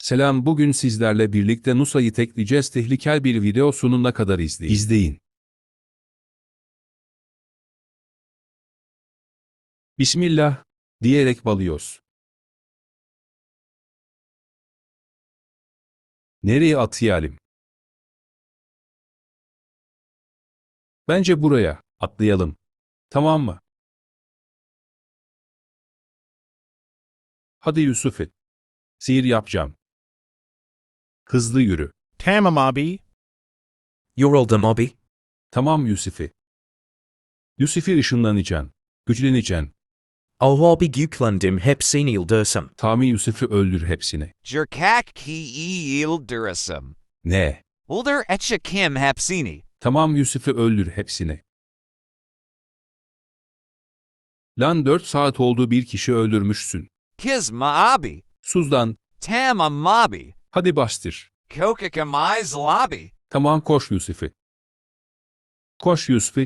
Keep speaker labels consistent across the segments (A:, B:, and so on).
A: Selam, bugün sizlerle birlikte Nusa'yı tekleyeceğiz. Tehlikel bir video, sonuna kadar izleyin. Bismillah diyerek balıyoruz. Nereye atlayalım? Bence buraya atlayalım. Tamam mı? Hadi Yusuf'e. Sihir yapacağım. Hızlı yürü.
B: Tamam abi.
C: Yoruldum abi.
A: Tamam Yusuf'e. Yusuf'e ışınlanacaksın. Güçleneceksin.
C: Abi yüklendim hepsini yıldırdım.
A: Tami Yusuf'u öldür hepsini.
D: Jerkak ki yıldırısım.
A: Ne?
D: Ulder etche kim hapsini.
A: Tamam Yusuf'u öldür hepsini. Lan 4 saat oldu, bir kişi öldürmüşsün.
D: Kizma abi.
A: Suzdan.
D: Tamam mabi.
A: Hadi bastır.
D: Kokakamiz lobby.
A: Tamam, koş Yusuf'e. Koş Yusuf'e.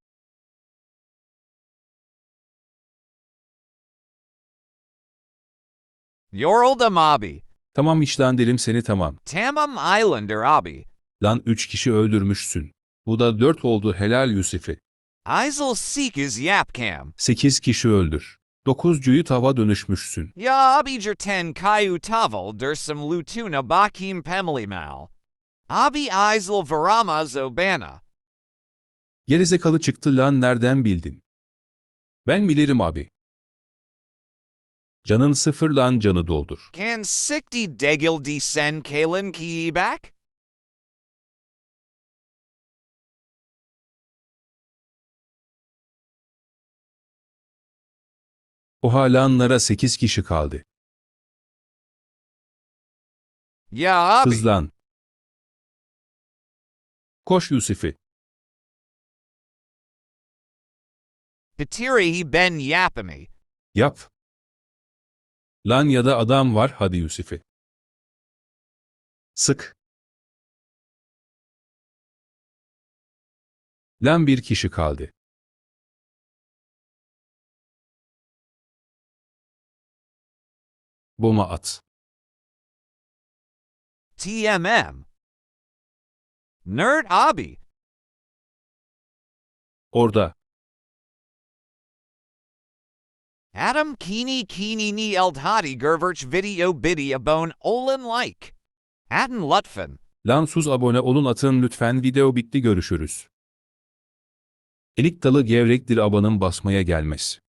D: Yoruldum abi.
A: Tamam, işlendirim seni, tamam.
D: Tamam Islander abi.
A: Lan 3 kişi öldürmüşsün. Bu da 4 oldu, helal Yusuf'e.
D: Isel seek is yapcam.
A: 8 kişi öldür. 9'cuyu tava dönüşmüşsün.
D: Ya abi jerten kayu tavel dersum lutuna bakim pemlimal. Abi Isel varama zobana.
A: Gerizekalı çıktı lan, nereden bildin? Ben bilirim abi. Canın sıfır lan, canı doldur.
D: Can sikti degil di sen kalen ki back?
A: Oha lanlara 8 kişi kaldı.
D: Ya abi.
A: Hızlan. Koş Yusuf'e.
D: Petiri ben yapami.
A: Yap. Lan ya da adam var, hadi Yusuf'e. Sık. Lan bir kişi kaldı. Bomba at.
D: TMM. Nerd abi.
A: Orada.
D: Adam kini ni eldhadi gerverch video bone olin like. Atten lutfen.
A: Lan sus, abone olun, atın lütfen. Video bitti, görüşürüz. Elik dalı gevrektir, abanın basmaya gelmez.